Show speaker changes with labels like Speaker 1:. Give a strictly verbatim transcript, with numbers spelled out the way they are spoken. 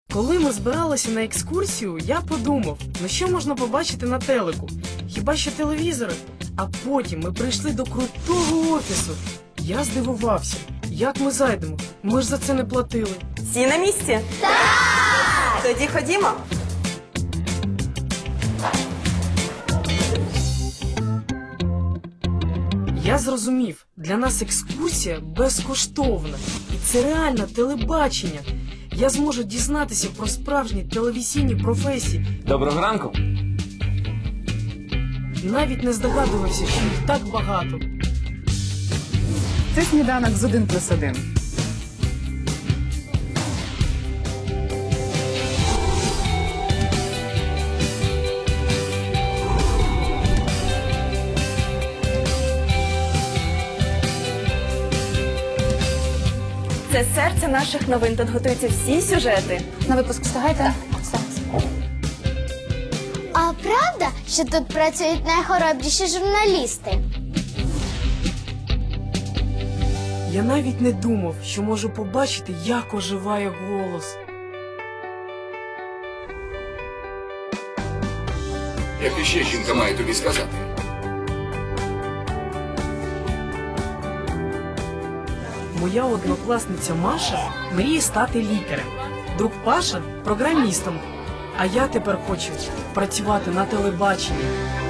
Speaker 1: Коли ми збиралися на екскурсію, я подумав, ну що можна побачити на телеку? Хіба що телевізори? А потім ми прийшли до крутого офісу. Я здивувався, як ми зайдемо? Ми ж за це не платили.
Speaker 2: Всі на місці? Так! Тоді ходімо.
Speaker 1: Я зрозумів, для нас екскурсія безкоштовна. І це реально телебачення. Я зможу дізнатися про справжні телевізійні професії.
Speaker 3: Доброго ранку.
Speaker 1: Навіть не здогадувався, що їх так багато.
Speaker 4: Це сніданок з один плюс один.
Speaker 2: Це серце наших новин. Тут готуються всі сюжети.
Speaker 4: На випуск встигайте? Все.
Speaker 5: А правда, що тут працюють найхоробріші журналісти?
Speaker 1: Я навіть не думав, що можу побачити, як оживає голос.
Speaker 6: Як іще жінка має тобі сказати?
Speaker 1: Моя однокласниця Маша мріє стати лікарем. Друг Паша – програмістом. А я тепер хочу працювати на телебаченні.